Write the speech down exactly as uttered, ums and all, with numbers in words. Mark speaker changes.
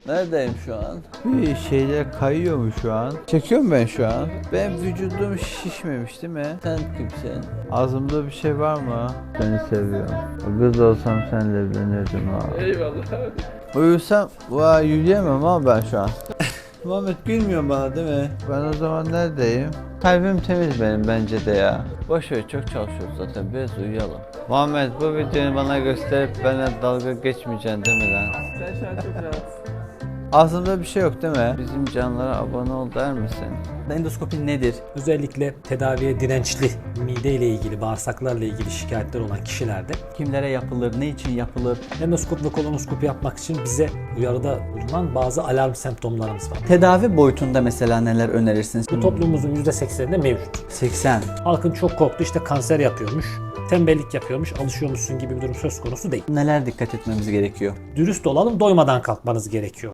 Speaker 1: Neredeyim şu an? Bir şeyler kayıyor mu şu an? Çekiyorum ben şu an. Benim vücudum şişmemiş değil mi? Sen kimsin? Ağzımda bir şey var mı? Seni seviyorum. Kız olsam seninle evlenirdim ha.
Speaker 2: Eyvallah.
Speaker 1: Uyusam, vay yürüyemem ama ben şu an. Muhammed gülmüyor bana değil mi? Ben o zaman neredeyim? Kalbim temiz benim bence de ya. Boş ver, çok çalışıyoruz zaten, biraz uyuyalım. Muhammed, bu videoyu bana gösterip bana dalga geçmeyeceksin değil mi lan?
Speaker 2: Sen şu an çok rahatsın.
Speaker 1: Ağzımda bir şey yok değil mi? Bizim canlara abone ol der misin?
Speaker 3: Endoskopi nedir? Özellikle tedaviye dirençli, mide ile ilgili, bağırsaklarla ilgili şikayetler olan kişilerde
Speaker 4: Kimlere yapılır, ne için yapılır?
Speaker 3: endoskop ve kolonoskopi yapmak için bize uyarıda bulunan bazı alarm semptomlarımız var.
Speaker 4: Tedavi boyutunda mesela neler önerirsiniz?
Speaker 3: Bu toplumumuzun yüzde sekseninde mevcut.
Speaker 4: seksen.
Speaker 3: Halkın çok korktuğu işte kanser yapıyormuş, tembellik yapıyormuş, alışıyormuşsun gibi bir durum söz konusu değil.
Speaker 4: Neler dikkat etmemiz gerekiyor?
Speaker 3: Dürüst olalım, doymadan kalkmanız gerekiyor.